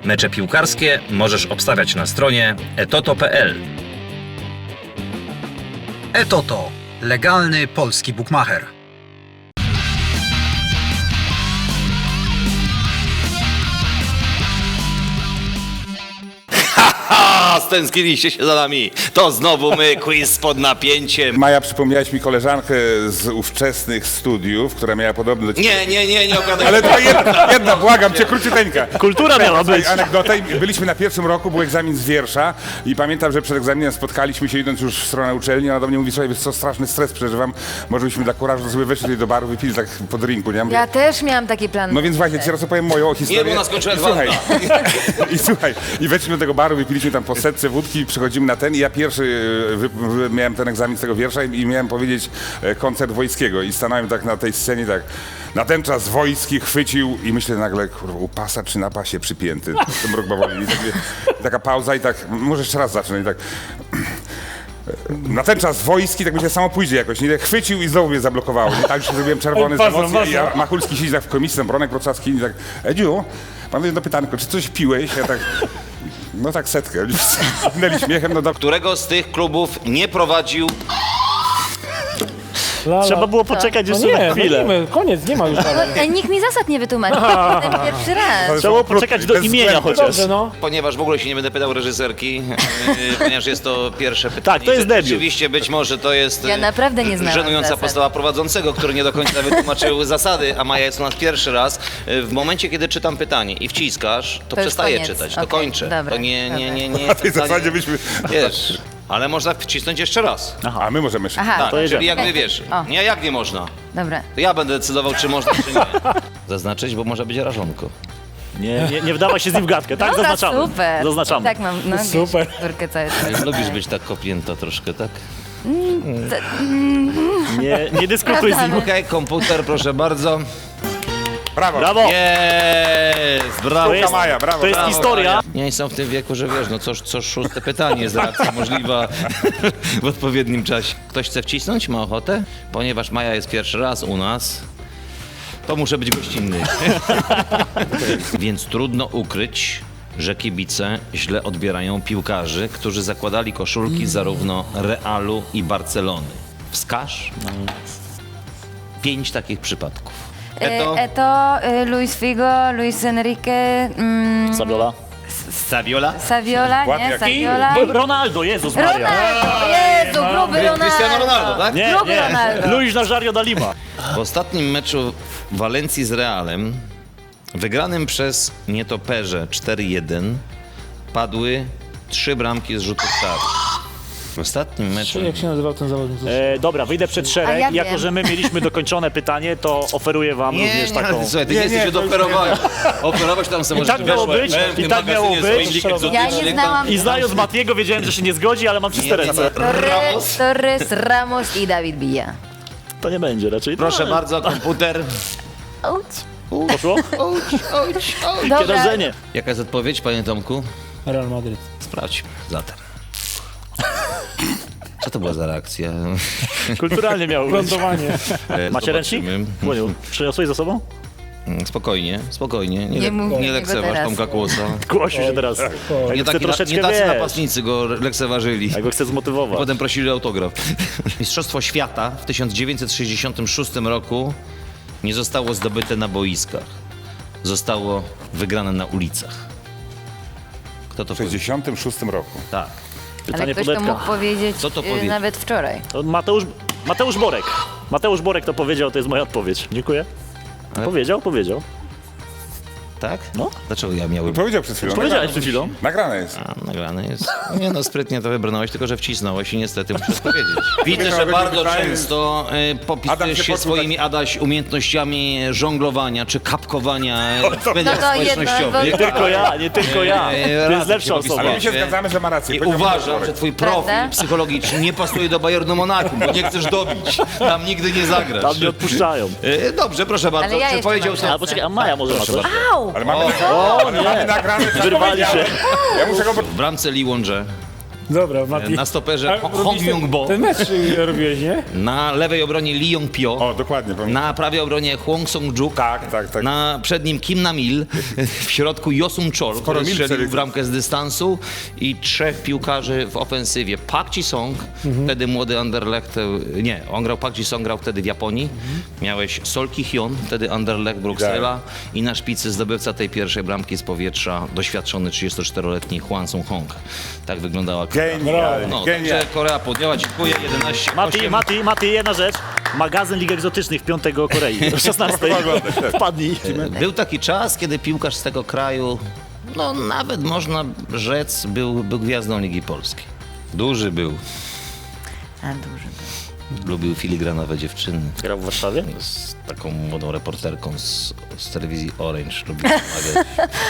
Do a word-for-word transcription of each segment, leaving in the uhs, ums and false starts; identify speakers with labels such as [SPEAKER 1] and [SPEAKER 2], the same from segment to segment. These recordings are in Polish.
[SPEAKER 1] Mecze piłkarskie możesz obstawiać na stronie etoto kropka p l.
[SPEAKER 2] Etoto. Legalny polski bukmacher.
[SPEAKER 3] Ha! Stęskniliście się za nami. To znowu my, quiz pod napięciem.
[SPEAKER 4] Maja, przypomniałaś mi koleżankę z ówczesnych studiów, która miała podobny do ciebie.
[SPEAKER 3] Nie, nie, nie, nie opowiadaj.
[SPEAKER 4] Ale to jedna, jedna, błagam cię, króciuteńka.
[SPEAKER 5] Kultura miała być.
[SPEAKER 4] Anegdota. Byliśmy na pierwszym roku, był egzamin z wiersza i pamiętam, że przed egzaminem spotkaliśmy się, idąc już w stronę uczelni, ona do mnie mówi, słuchaj, wiesz co, straszny stres przeżywam, może byśmy dla kurażu sobie weszli tutaj do baru, wypili tak po drinku, nie?
[SPEAKER 6] Ja też miałam taki plan.
[SPEAKER 4] No więc właśnie, teraz opowiem moją historię.
[SPEAKER 3] Nie, bo ona skończyła
[SPEAKER 4] I
[SPEAKER 3] dwa
[SPEAKER 4] słuchaj, i, i słuchaj, i weszliśmy do tego baru, wypiliśmy tam po setce wódki, przychodzimy na ten i ja pierwszy wy, wy, miałem ten egzamin z tego wiersza i, i miałem powiedzieć e, koncert Wojskiego i stanąłem tak na tej scenie, tak, na ten czas Wojski chwycił i myślę nagle, kurwa, u pasa czy na pasie przypięty, ten mrok bawoli. I, tak, i taka pauza i tak, może jeszcze raz zacznę i tak... Na ten czas Wojski, tak myślę, samo pójdzie jakoś, nie? Chwycił i znowu mnie zablokowało, nie? Tak, że się zrobiłem czerwony z emocji i ja, Machulski siedzi tak w komisji, tam Bronek Wrocławski i tak, Edziu, mam jedno pytanko, czy coś piłeś? Ja tak, no tak setkę, minęli śmiechem, no do...
[SPEAKER 3] Którego z tych klubów nie prowadził...
[SPEAKER 5] Trzeba było poczekać jeszcze
[SPEAKER 7] No nie,
[SPEAKER 5] na chwilę.
[SPEAKER 7] nie, koniec, nie ma już dalej.
[SPEAKER 6] Ej, nikt mi zasad nie wytłumaczył. Ten pierwszy raz.
[SPEAKER 5] Trzeba było poczekać do
[SPEAKER 4] Bez
[SPEAKER 5] imienia
[SPEAKER 4] względu.
[SPEAKER 5] chociaż.
[SPEAKER 7] Dobrze, no.
[SPEAKER 3] Ponieważ w ogóle się nie będę pytał reżyserki, yy, ponieważ jest to pierwsze pytanie.
[SPEAKER 5] Tak, to jest debiut.
[SPEAKER 3] Rzeczywiście być może to jest
[SPEAKER 6] Ja
[SPEAKER 3] yy,
[SPEAKER 6] naprawdę nie znałam
[SPEAKER 3] żenująca
[SPEAKER 6] zasad.
[SPEAKER 3] postawa prowadzącego, który nie do końca wytłumaczył zasady, a Maja jest u nas pierwszy raz. Yy, W momencie, kiedy czytam pytanie i wciskasz, to,
[SPEAKER 6] To już
[SPEAKER 3] przestaję
[SPEAKER 6] koniec.
[SPEAKER 3] czytać, to
[SPEAKER 6] Okej,
[SPEAKER 3] kończę.
[SPEAKER 6] dobra,
[SPEAKER 3] To nie, nie, nie, nie.
[SPEAKER 4] Na tej
[SPEAKER 3] pytanie-
[SPEAKER 4] zasadzie byśmy...
[SPEAKER 3] Wiesz, ale można wcisnąć jeszcze raz.
[SPEAKER 4] A my możemy jeszcze...
[SPEAKER 6] Aha,
[SPEAKER 3] Tak,
[SPEAKER 5] to jedziemy.
[SPEAKER 3] czyli jakby wiesz,
[SPEAKER 6] O.
[SPEAKER 3] nie, jak nie można.
[SPEAKER 6] dobra.
[SPEAKER 3] To ja będę decydował, czy można, czy nie. Zaznaczyć, bo może być rażonko.
[SPEAKER 5] Nie, nie, nie wdawaj się z nim w gadkę, tak?
[SPEAKER 6] Dobra,
[SPEAKER 5] Zaznaczamy.
[SPEAKER 6] super.
[SPEAKER 5] Zaznaczamy.
[SPEAKER 6] Tak mam, no
[SPEAKER 7] Super.
[SPEAKER 6] wiesz, córkę cały czas.
[SPEAKER 3] Lubisz być tak kopnięta troszkę, tak?
[SPEAKER 5] Nie, nie dyskutuj z nim.
[SPEAKER 3] Okej, komputer, proszę bardzo.
[SPEAKER 4] Brawo!
[SPEAKER 5] Brawo!
[SPEAKER 3] Jest, brawo.
[SPEAKER 5] To jest,
[SPEAKER 4] Maja, brawo,
[SPEAKER 5] to jest
[SPEAKER 3] brawo,
[SPEAKER 5] historia.
[SPEAKER 3] Maja. Nie są w tym wieku, że wiesz, no co, co szóste pytanie jest reakcja możliwa w odpowiednim czasie. Ktoś chce wcisnąć? Ma ochotę? Ponieważ Maja jest pierwszy raz u nas, to muszę być gościnny. Więc trudno ukryć, że kibice źle odbierają piłkarzy, którzy zakładali koszulki zarówno Realu i Barcelony. Wskaż pięć takich przypadków.
[SPEAKER 6] Eto, Eto y, Luis Figo, Luis Enrique, mm,
[SPEAKER 5] Saviola.
[SPEAKER 3] Saviola?
[SPEAKER 6] Saviola, nie?
[SPEAKER 4] Ładnie.
[SPEAKER 6] Saviola.
[SPEAKER 5] Bo- Ronaldo, Jezus Maria.
[SPEAKER 6] Ronaldo, Jezu, gruby Ronaldo.
[SPEAKER 3] Cristiano Ronaldo, tak?
[SPEAKER 5] Nie,
[SPEAKER 6] Gruby
[SPEAKER 5] nie.
[SPEAKER 6] Ronaldo.
[SPEAKER 5] Luis Nazario da Lima.
[SPEAKER 3] W ostatnim meczu Walencji z Realem, wygranym przez nietoperze cztery jeden, padły trzy bramki z rzutów karnych. W ostatnim meczu...
[SPEAKER 7] Jak się nazywał ten zawodnik?
[SPEAKER 5] E, dobra, wyjdę przed
[SPEAKER 6] A
[SPEAKER 5] szereg.
[SPEAKER 6] ja
[SPEAKER 5] Jako,
[SPEAKER 6] wiem.
[SPEAKER 5] że my mieliśmy dokończone pytanie, to oferuję wam
[SPEAKER 3] Nie,
[SPEAKER 5] również
[SPEAKER 3] nie,
[SPEAKER 5] taką...
[SPEAKER 3] ale słuchaj, ty nie,
[SPEAKER 4] Nie,
[SPEAKER 3] jesteś
[SPEAKER 4] nie,
[SPEAKER 3] od
[SPEAKER 4] to już
[SPEAKER 3] operowania. Operować tam sobie
[SPEAKER 5] I tak miało być, i tak miało być.
[SPEAKER 6] Ja nie znałam.
[SPEAKER 5] I znając Matiego wiedziałem, że się nie zgodzi, ale mam czyste ręce.
[SPEAKER 6] Torres, Torres, Ramos i David Villa.
[SPEAKER 5] To nie będzie raczej.
[SPEAKER 3] Proszę
[SPEAKER 5] No,
[SPEAKER 3] bardzo, komputer.
[SPEAKER 6] Auć.
[SPEAKER 5] Poszło?
[SPEAKER 6] Dobra.
[SPEAKER 5] Kierożenie.
[SPEAKER 3] Jaka jest odpowiedź, panie Tomku?
[SPEAKER 7] Real Madryt.
[SPEAKER 3] Sprawdźmy zatem. Co to była za reakcja?
[SPEAKER 5] Kulturalnie miało być.
[SPEAKER 7] Lądowanie.
[SPEAKER 3] E,
[SPEAKER 5] Macie ręcznik?
[SPEAKER 3] zobaczymy.
[SPEAKER 5] Błoniu, przyniosłeś za sobą?
[SPEAKER 3] Mm, Spokojnie, spokojnie. Nie,
[SPEAKER 6] Nie
[SPEAKER 3] le-
[SPEAKER 6] mów
[SPEAKER 3] nie
[SPEAKER 6] niego
[SPEAKER 3] lekceważ
[SPEAKER 6] teraz.
[SPEAKER 3] Tomka Kłosa.
[SPEAKER 5] Głosił się teraz.
[SPEAKER 3] Nie,
[SPEAKER 5] Jak chce
[SPEAKER 3] taki,
[SPEAKER 5] troszeczkę,
[SPEAKER 3] nie tacy
[SPEAKER 5] wiesz,
[SPEAKER 3] napastnicy go lekceważyli.
[SPEAKER 5] jak go chce zmotywować.
[SPEAKER 3] Potem prosili o autograf. Mistrzostwo świata w tysiąc dziewięćset sześćdziesiątym szóstym roku nie zostało zdobyte na boiskach. Zostało wygrane na ulicach. Kto to
[SPEAKER 4] W
[SPEAKER 3] powiedział?
[SPEAKER 4] sześćdziesiątym szóstym roku.
[SPEAKER 3] Tak.
[SPEAKER 6] Ale
[SPEAKER 5] Pytanie
[SPEAKER 6] ktoś to
[SPEAKER 5] Podetka.
[SPEAKER 6] mógł powiedzieć
[SPEAKER 3] Co to
[SPEAKER 6] y,
[SPEAKER 3] powiedzieć?
[SPEAKER 6] nawet wczoraj.
[SPEAKER 5] To Mateusz, Mateusz Borek. Mateusz Borek to powiedział, to jest moja odpowiedź. Dziękuję.
[SPEAKER 3] Ale-
[SPEAKER 5] Powiedział, powiedział.
[SPEAKER 3] Tak?
[SPEAKER 5] No.
[SPEAKER 3] Dlaczego ja miałem...
[SPEAKER 4] Powiedział przed chwilą.
[SPEAKER 5] Powiedziałeś przed chwilą.
[SPEAKER 4] Nagrane jest.
[SPEAKER 3] A, nagrane jest. Nie no, sprytnie to wybrnąłeś, tylko że wcisnąłeś i niestety muszę powiedzieć. Widzę, że
[SPEAKER 4] będzie
[SPEAKER 3] bardzo
[SPEAKER 4] pytanie.
[SPEAKER 3] często y,
[SPEAKER 4] Adam
[SPEAKER 3] popisujesz
[SPEAKER 4] się
[SPEAKER 3] się
[SPEAKER 4] poczuł
[SPEAKER 3] swoimi, Adaś, umiejętnościami żonglowania czy kapkowania w mediach
[SPEAKER 6] No to jedno,
[SPEAKER 3] społecznościowych.
[SPEAKER 5] Nie tylko ja, nie tylko ja.
[SPEAKER 3] Eee,
[SPEAKER 5] To jest
[SPEAKER 3] raz
[SPEAKER 5] lepsza
[SPEAKER 3] się
[SPEAKER 5] osoba.
[SPEAKER 4] Ale my się
[SPEAKER 3] Wie-
[SPEAKER 4] zgadzamy, że ma rację.
[SPEAKER 3] I
[SPEAKER 4] Powiedział
[SPEAKER 3] uważam,
[SPEAKER 4] Borek.
[SPEAKER 3] że twój profil
[SPEAKER 6] Prawda?
[SPEAKER 3] psychologiczny nie pasuje do Bayernu Monachium, bo nie chcesz dobić. Tam nigdy nie zagrasz.
[SPEAKER 5] Tam nie odpuszczają.
[SPEAKER 3] E, Dobrze, proszę bardzo.
[SPEAKER 6] Ale ja
[SPEAKER 3] Czy
[SPEAKER 6] jeszcze
[SPEAKER 3] powiedział
[SPEAKER 6] mam
[SPEAKER 3] to?
[SPEAKER 5] A poczekaj, a Maja może ma
[SPEAKER 3] Proszę
[SPEAKER 5] coś?
[SPEAKER 3] bardzo.
[SPEAKER 6] Au!
[SPEAKER 4] Ale mamy,
[SPEAKER 5] O
[SPEAKER 4] ale mamy
[SPEAKER 5] nie,
[SPEAKER 4] nagrane, co
[SPEAKER 5] wyrwali się.
[SPEAKER 4] powiedziałem. Ja muszę go...
[SPEAKER 3] W bramce Liłądże
[SPEAKER 7] Dobra, Mati.
[SPEAKER 3] Na stoperze
[SPEAKER 7] A,
[SPEAKER 3] Hong
[SPEAKER 7] robiłeś ten-
[SPEAKER 3] Yong-bo.
[SPEAKER 7] Ten mecz y, robiłeś, nie?
[SPEAKER 3] Na lewej obronie Lee Yong-pyo.
[SPEAKER 4] O, dokładnie. Pamiętam.
[SPEAKER 3] Na prawej obronie Hwang Song-juk.
[SPEAKER 4] Tak, tak, tak.
[SPEAKER 3] Na przednim Kim Nam-il. W środku Yosun Chol, który
[SPEAKER 4] Mil
[SPEAKER 3] strzelił
[SPEAKER 4] strzelił.
[SPEAKER 3] w ramkę z dystansu. I trzech piłkarzy w ofensywie. Park Ji-song, wtedy młody Anderlecht. Nie, on grał, Park Ji-song grał wtedy w Japonii. Miałeś Sol Ki-hyun, wtedy Anderlecht Bruksela. I na szpicy zdobywca tej pierwszej bramki z powietrza, doświadczony trzydziestoczteroletni Hwang Sung-hong. Tak wyglądała
[SPEAKER 4] Genialnie,
[SPEAKER 3] No,
[SPEAKER 4] genialnie.
[SPEAKER 3] także Korea podjęła, dziękuję, jedenaście
[SPEAKER 5] Mati,
[SPEAKER 3] osiem.
[SPEAKER 5] Mati, Mati, jedna rzecz. Magazyn Lig Egzotycznych piątego Korei. O szesnastej. Wpadnij.
[SPEAKER 3] Był taki czas, kiedy piłkarz z tego kraju, no nawet można rzec, był, był gwiazdą Ligi Polskiej. Duży był.
[SPEAKER 6] A duży.
[SPEAKER 3] Lubił filigranowe dziewczyny.
[SPEAKER 5] Grał w Warszawie?
[SPEAKER 3] Z taką młodą reporterką z, z telewizji Orange. Lubił pomagać.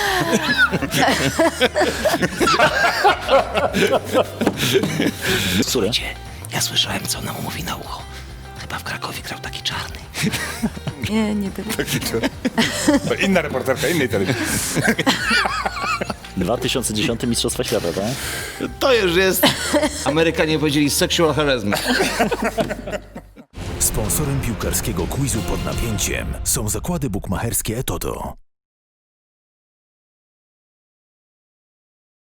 [SPEAKER 3] Słuchajcie, ja słyszałem, co ona mu mówi na ucho. Chyba w Krakowie grał taki czarny.
[SPEAKER 6] Nie, nie tyle.
[SPEAKER 4] To inna reporterka, innej telewizji.
[SPEAKER 5] dwa tysiące dziesiąty Mistrzostwa Świata, tak?
[SPEAKER 3] To już jest, Amerykanie powiedzieli, sexual harassment.
[SPEAKER 8] Sponsorem piłkarskiego quizu pod napięciem są zakłady bukmacherskie Etoto.